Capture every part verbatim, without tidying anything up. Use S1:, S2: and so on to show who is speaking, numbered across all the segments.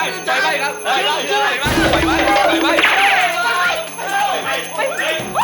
S1: ไฟไหม้ครับไฟไหม้ไฟไหม้ไฟไหม้ไฟไหม้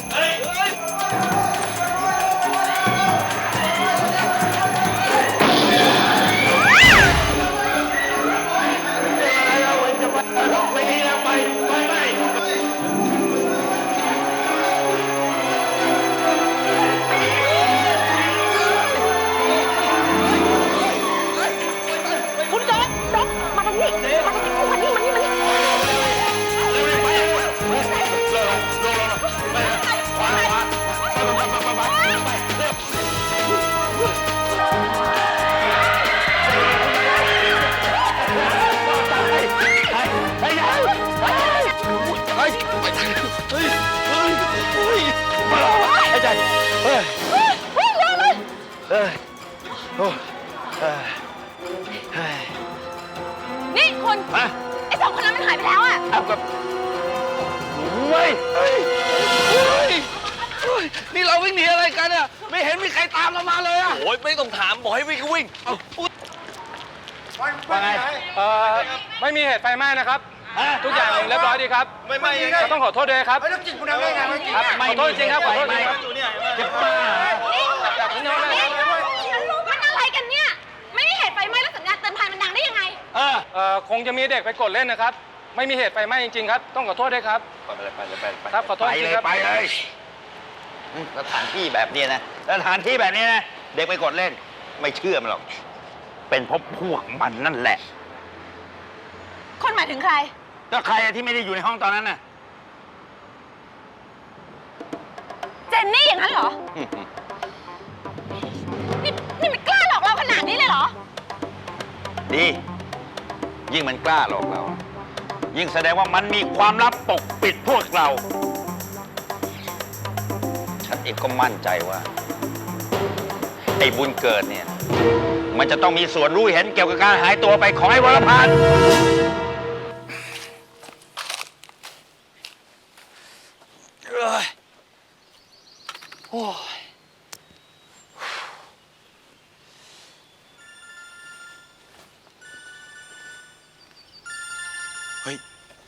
S2: นี่คุณไอ้สองคนนั้นมันหายไปแล้วอะเอากับ
S1: เฮ้ยเฮ้ยเฮ้ยนี่เราวิ่งหนีอะไรกันอะไม่เห็นมีใครตามเรามาเลยอะโอ้ยไม่ต้องถามบอกให้วิ่งก็วิ่งเอา
S3: ว่าไงเอ่อไม่มีเหตุไฟไหม้นะครับทุกอย่างเรียบร้อยดีครับ
S1: ไม่ไม่
S3: เราต้องขอโทษด้วยครับ
S4: แล้วจิตคุณทำได้ไง
S3: ครับขอโทษจริงครับขอโทษจริงครับ
S2: จะบ้ามันอะไรกันเนี่ยไม่มีเหตุไฟไหม้แล้วสัญญาณเตือนภัยมันดังได้ยังไง
S3: เออเอ่อคงจะมีเด็กไปกดเล่นนะครับไม่มีเหตุไฟไหม้จริงๆครับต้องขอโทษด้วยครับ
S1: ไปเลยไปเลยไปเลย
S3: ครับขอโทษจริงครับ
S1: ไปเลยสถานที่แบบนี้นะสถานที่แบบนี้นะเด็กไปกดเล่นไม่เชื่อมันหรอกเป็นเพราะพวกมันนั่นแหละ
S2: คนหมายถึงใคร
S1: ก็ใครที่ไม่ได้อยู่ในห้องตอนนั้นน่ะ
S2: เจนนี่อย่างนั้นเหรอนี่นี่มันกล้าหลอกเราขนาดนี้เลยเหรอ
S1: ดียิ่งมันกล้าหลอกเรายิ่งแสดงว่ามันมีความลับปกปิดพวกเราฉันเองก็มั่นใจว่าไอ้บุญเกิดเนี่ยมันจะต้องมีส่วนรู้เห็นเกี่ยวกับการหายตัวไปของไอ้วรพันธ์โอ้ยเฮ้ย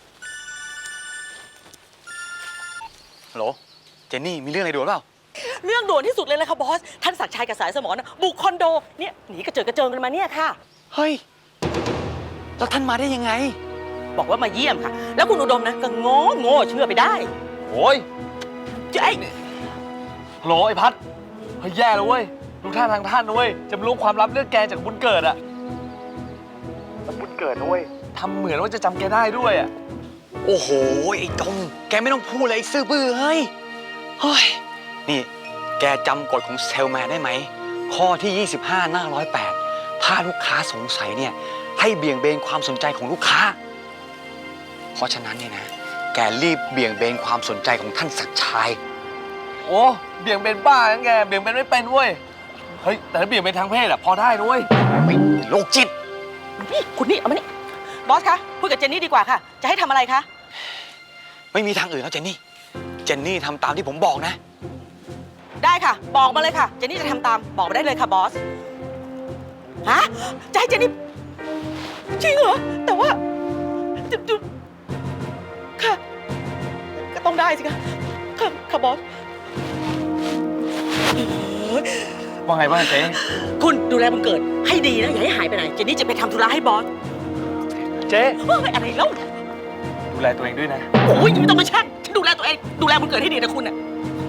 S1: ฮัลโหลเจนนี่มีเรื่องอะไรด่วนเปล่า
S5: เรื่องด่วนที่สุดเลยนะคะบอสท่านศักดิ์ชัยกับสายสมรบุกคอนโดเนี่ยหนีกระเจิงกระเจิงกันมาเนี่ยค่ะ
S1: เฮ้ยแล้วท่านมาได้ยังไง
S5: บอกว่ามาเยี่ยมค่ะแล้วคุณอุดมนะก็งอโง่เชื่อไปได้
S1: โอ้ย
S5: เจ๊
S3: ฮัลโหลไอ้พัดเฮ้ยแย่แล้วเว้ยดูท่าทางท่านนะเว้ยจะรู้ความลับเรื่องแกจากบุญเกิดอะบุญเกิดนะเว้ยทำเหมือนว่าจะจำแกได้ด้วยอะ
S1: โอ้โหไอ้ดงแกไม่ต้องพูดเลยไอ้ซื่อบื้อเฮ้ยเฮ้ยนี่แกจำกฎของเซลแมนได้ไหมข้อที่ยี่สิบห้าหน้าหนึ่งร้อยแปดถ้าลูกค้าสงสัยเนี่ยให้เบี่ยงเบนความสนใจของลูกค้าเพราะฉะนั้นเนี่ยนะแกรีบเบี่ยงเบนความสนใจของท่านศักดิ์ชัย
S3: โอ้เบี่ยงเบนบ้างั้นแกเบี่ยงเบนไม่เป็นเว้ยเฮ้ยแต่ถ้าเบี่ยงเบนทางเพศอะพอได้นะเว้ย
S1: ไม่โรคจิต
S5: นี่คุณนี่เอามานี่บอสคะพูดกับเจนนี่ดีกว่าค่ะจะให้ทำอะไรคะ
S1: ไม่มีทางอื่นแล้วเจนนี่เจนนี่ทำตามที่ผมบอกนะ
S5: ได้ค่ะบอกมาเลยค่ะเจนนี่จะทำตามบอกมาได้เลยค่ะบอสฮะจะให้เจนนี่จริงเหรอแต่ว่าค่ะก็ต้องได้สิคะค่ะค่ะบอส
S3: ว่าไงบ้างเจ๊
S5: คุณดูแลมันเกิดให้ดีนะอย่าให้หายไปไหนเจนนี่จะไปทำธุระให้บอส
S3: เจ๊
S5: อะไรแล้ว
S3: ดูแลตัวเองด้วยนะ
S5: โอ้ยไม่ต้องมาแช่งฉันดูแลตัวเองดูแลมันเกิดให้ดีนะคุณน่ะ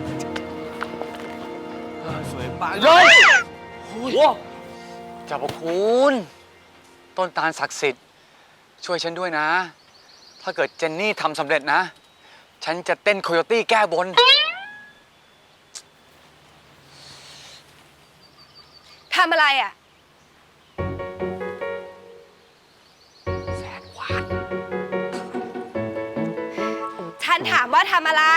S3: สวยปากเลยโอ้โห
S1: เจ้าพระคุณต้นตาลศักดิ์สิทธิ์ช่วยฉันด้วยนะถ้าเกิดเจนนี่ทำสำเร็จนะฉันจะเต้นโคโยตี้แก้บน
S2: ทำอะไรอ่ะ
S1: แสนหวาน
S2: ฉันถามว่าทำอะไร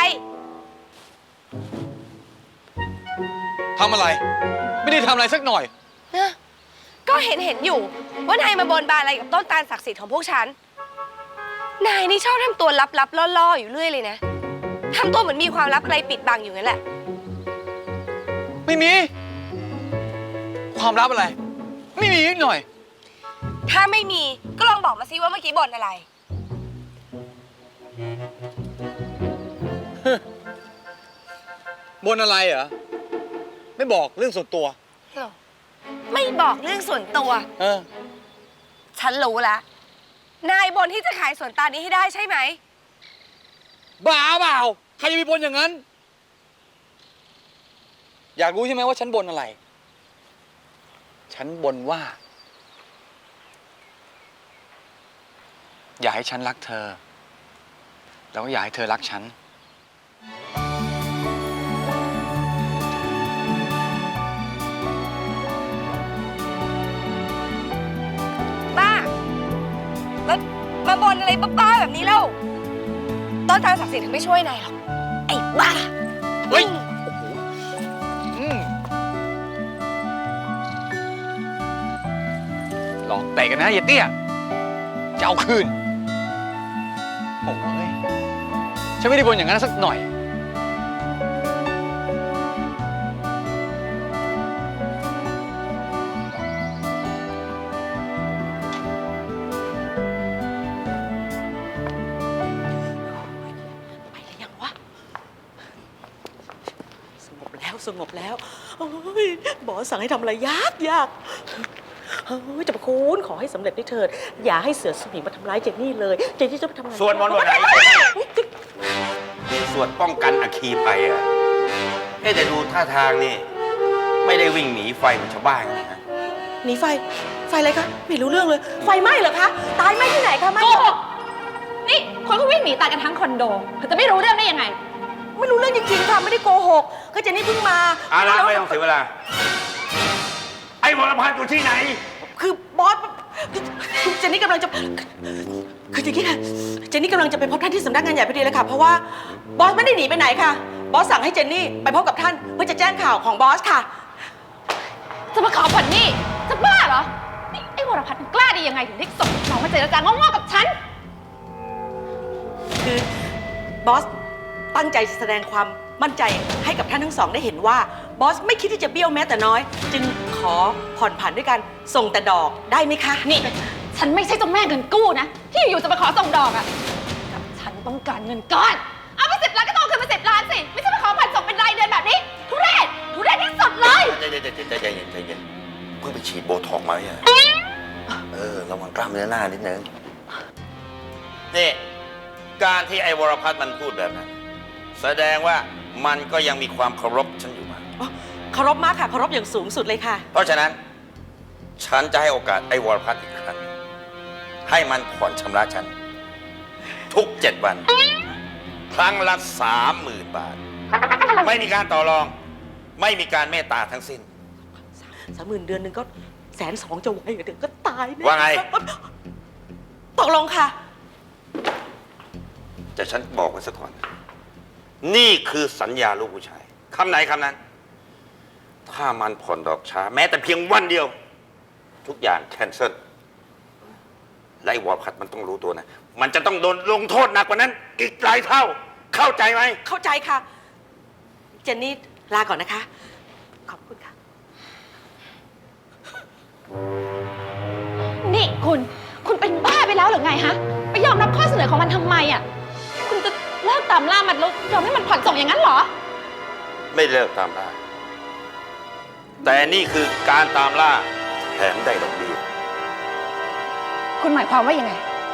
S1: ทำอะไรไม่ได้ทำอะไรสักหน่อย
S2: ก็เห็นเห็นอยู่ว่านายมาบนบานอะไรกับต้นตาลศักดิ์สิทธิ์ของพวกฉันนายนี่ชอบทำตัวลับๆล่อๆอยู่เรื่อยเลยนะทำตัวเหมือนมีความลับอะไรปิดบังอยู่นั่นแหละ
S1: ไม่มีความลับอะไรไม่มีนิดหน่อย
S2: ถ้าไม่มีก็ลองบอกมาสิว่าเมื่อกี้บ่นอะไร
S1: บนอะไรเหรอ ไม่บอกเรื่องส่วนตัว
S2: ไม่บอกเรื่องส่วนตัว
S1: เออ
S2: ฉันรู้ละนายบนที่จะขายสวนตาลนี้ให้ได้ใช่ไหม
S1: บ้าเปล่า ใครจะมีบนอย่างนั้น อยากรู้ใช่ไหมว่าฉันบนอะไร ฉันบนว่า อยากให้ฉันรักเธอ แล้วก็อยากให้เธอรักฉัน
S2: บ้า แล้วมาบนอะไรบ้าๆแบบนี้เล่าต้นตาลศักดิ์สิทธิ์ถึงไม่ช่วยนายหรอก ไอ้บ้า
S1: เฮ้ย อืมหลอกเตะกันนะอย่าเตี้ย จะเอาคืน โอ้ย ฉันไม่ได้บนอย่างนั้นสักหน่อย
S5: ไปหรือยังวะ สงบแล้วสงบแล้วโอ้ยบอสสั่งให้ทำอะไรยากยากเฮ้ยจะประคุณขอให้สำเร็จด้วยเถิด อย่าให้เสือสมิงมาทำร้ายเจนนี่เลย เจนนี่จะไปทำงาน
S4: สวดมนต์วันไหน สวดป้องกันอัคคีภัยอ่ะเอ๊ะแต่ดูท่าทางนี่ ไม่ได้วิ่งหนีไฟเหมือนชาวบ้านนะ
S5: หนีไฟ ไฟอะไรคะ ไม่รู้เรื่องเลย ไฟไหม้เหรอคะ ตายไหม้ที่ไหนคะไหม้
S6: โกหกนี่คนเขาวิ่งหนีตายกันทั้งคอนโดเธอจะไม่รู้เรื่องได้ยังไง
S5: ไม่รู้เรื่องจริงๆค่ะ ไม่ได้โกหกก็เจนนี่เพิ่งมา
S4: เอาละไม่ต้องเสียเวลา ไอ้วรพันธ์อยู่ที่ไหน
S5: คือบอสคือเจนนี่กำลังจะ คืออย่างนี้ค่ะ เจนนี่กำลังจะไปพบท่านที่สำนักงานใหญ่พอดีเลยค่ะ เพราะว่าบอสไม่ได้หนีไปไหนค่ะ บอสสั่งให้เจนนี่ไปพบกับท่านเพื่อจะแจ้งข่าวของบอสค่ะ
S6: จะมาขอผ่อนหนี้จะบ้าเหรอ นี่ไอ้วรพัฒน์มันกล้าได้ยังไงถึงได้ส่งน้องมาเจรจางงๆกับฉัน
S5: คือบอสตั้งใจแสดงความมั่นใจให้กับท่านทั้งสองได้เห็นว่าบอสไม่คิดที่จะเบี้ยวแม้แต่น้อย จึงขอผ่อนผันด้วยการส่งแต่ดอกได้ไหมคะ
S6: นี่ ฉันไม่ใช่เจ้าแม่เงินกู้นะ ที่อยู่ๆจะมาขอส่งดอกอะกับฉันต้องการเงินก้อน เอาไปสิบล้านก็ต้องเอาคืนมาสิบล้านสิ ไม่ใช่มาขอผ่อนส่งเป็นรายเดือนแบบนี้ ทุเรศ ทุเรศที่สุดเลย
S4: ใจเย็นใจเย็นใจเย็นใจเย็นเพิ่งไปฉีดโบท็อกซ์มาเนี่ยเออ ระวังกล้ามเนื้อหน้านิดนึง นี่ การที่ไอ้วรพัฒน์มันพูดแบบนั้น แสดงว่ามันก็ยังมีความเคารพฉันอยู่มาก
S5: อ๋อเคารพมากค่ะเคารพอย่างสูงสุดเลยค่ะ
S4: เพราะฉะนั้น ฉันจะให้โอกาสไอ้วรพัฒน์อีกครั้ง ให้มันผ่อนชำระฉัน ทุกเจ็ดวัน ครั้งละสามหมื่นบาท ไม่มีการต่อรอง ไม่มีการเมตตาทั้งสิ้น
S5: สามหมื่นเดือนหนึ่งก็แสนสองจะไหวเหรอเดี๋ยวก็ตายแน่
S4: ว่าไง
S5: ตกลงค่ะ
S4: แต่ฉันบอกไว้ซะก่อน นี่คือสัญญาลูกผู้ชายคำไหนคำนั้น ถ้ามันผ่อนดอกช้า แม้แต่เพียงวันเดียว ทุกอย่างแคนเซิลและไอ้วอลพัดมันต้องรู้ตัวนะ มันจะต้องโดนลงโทษหนักกว่านั้น อีกหลายเท่า เข้าใจไหม
S5: เข้าใจค่ะ เจนนี่ลาก่อนนะคะ ขอบคุณค่ะ
S6: นี่คุณ คุณเป็นบ้าไปแล้วหรือไงฮะ ไปยอมรับข้อเสนอของมันทำไมอ่ะ คุณจะเลิกตามล่ามันแล้วยอมให้มันผ่อนส่งอย่างนั้นเหรอ
S4: ไม่เลิกตามล่า แต่นี่คือการตามล่าแถมได้ดอกเบี้ย
S6: คุณหมายความว่ายังไง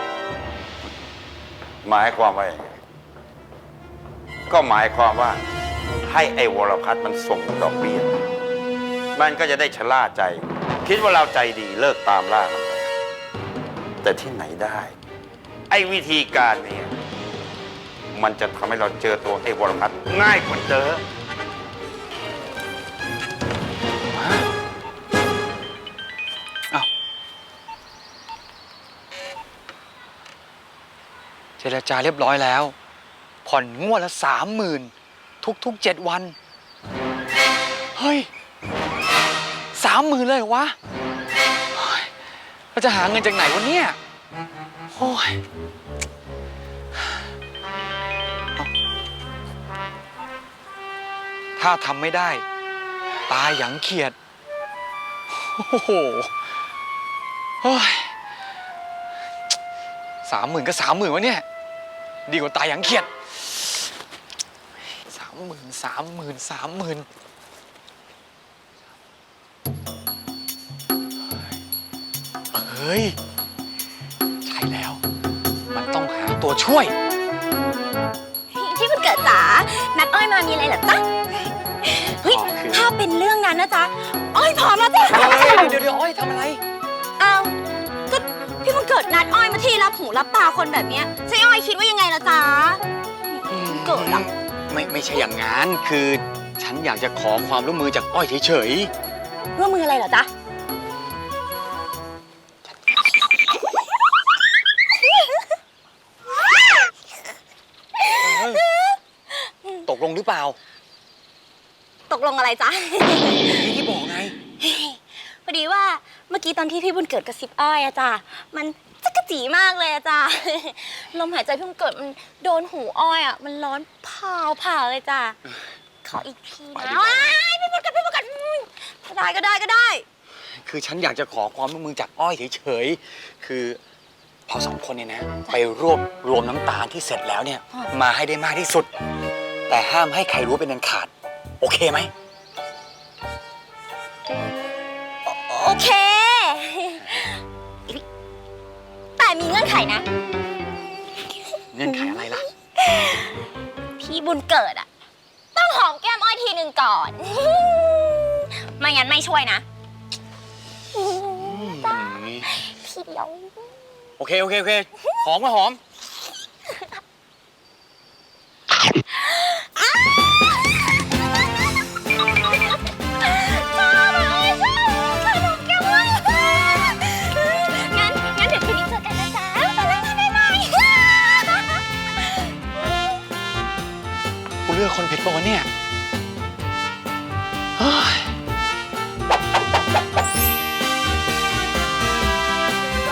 S4: หมายความว่าอย่างไรก็หมายความว่าให้ไอ้วรพัฒน์มันส่งดอกเบี้ย มันก็จะได้ชะล่าใจ คิดว่าเราใจดีเลิกตามล่ามันไปแต่ที่ไหนได้ ไอ้วิธีการนี้มันจะทำให้เราเจอตัวไอ้วรพัฒน์ง่ายกว่าเดิม
S1: เจรจาเรียบร้อยแล้ว ผ่อนงวดละสามหมื่นทุกๆเจ็ดวัน เฮ้ยสามหมื่นเลยเหรอวะเฮ้ยเราจะหาเงินจากไหนวะเนี่ยโอ้ยเอาถ้าทำไม่ได้ ตายอย่างเขียด โอ้โหเฮ้ยสามหมื่นก็สามหมื่นวะเนี่ย ดีกว่าตายอย่างเขียดสามหมื่นสามหมื่นสามหมื่นเฮ้ย ใช่แล้ว มันต้องหาตัวช่วย
S7: ที่คุณเกิดจ๋านัดอ้อยมามีอะไรเหรอจ๊ะ เฮ้ย
S1: อ๋อคือ
S7: ถ้าเป็นเรื่องนั้นนะจ๊ะ อ้อยพร้อมแล้วจ้ะ
S1: เดี๋ยวเดี๋ยวอ้อยทำอะไร
S7: อ้าวก็พี่มันเกิดนัดอ้อยมาที่รับหูรับตาคนแบบเนี้ยใช่อ้อยคิดว่ายังไงล่ะจ๊ะ เกิดอะ
S1: ไม่ไม่ใช่อย่างนั้น คือฉันอยากจะขอความร่วมมือจากอ้อยเฉย
S7: ร่วมมืออะไรเหรอจ๊ะ
S1: ๆ ตกลงหรือเปล่า
S7: ตกลงอะไรจ๊ะ
S1: นี่ที่บอกไง
S7: พอดีว่าเมื่อกี้ตอนที่พี่บุญเกิดกระซิบอ้อยอะจ้ะมันจักกะจีมากเลยอะจ้ะ ลมหายใจพี่บุญเกิดมันโดนหูอ้อยอะมันร้อนเผาเผาเลยจ้ะ ขออีกที
S1: ไปดี
S7: นะ
S1: กว่า
S7: ว้ายพี่บุญเกิดพี่บุญเกิดอืมได้ก็ได้ก็ได้
S1: คือฉันอยากจะขอความร่วมมือจากอ้อยเฉยๆ คือเราสองคนเนี่ยนะ ไปรวบรวมน้ำตาลที่เสร็จแล้วเนี่ย
S7: อ๋อ
S1: มาให้ได้มากที่สุด แต่ห้ามให้ใครรู้เป็นอันขาด โอเคไหม
S7: โอเค แต่มีเงื่อนไขนะ
S1: เงื่อนไขอะไรล่ะ
S7: พี่บุญเกิดอะต้องหอมแก้มอ้อยทีหนึ่งก่อน ไม่งั้นไม่ช่วยนะ ทีเดียว
S1: โอเค โอเค โอเค หอมก็หอม
S7: งั้นงั้นเดี๋ยวคืนนี้เจอกันนะจ๊ะบ๊ายบายบ๊ายบาย
S1: กูเลือกคนผิดปะวะเนี่ยเฮ้ย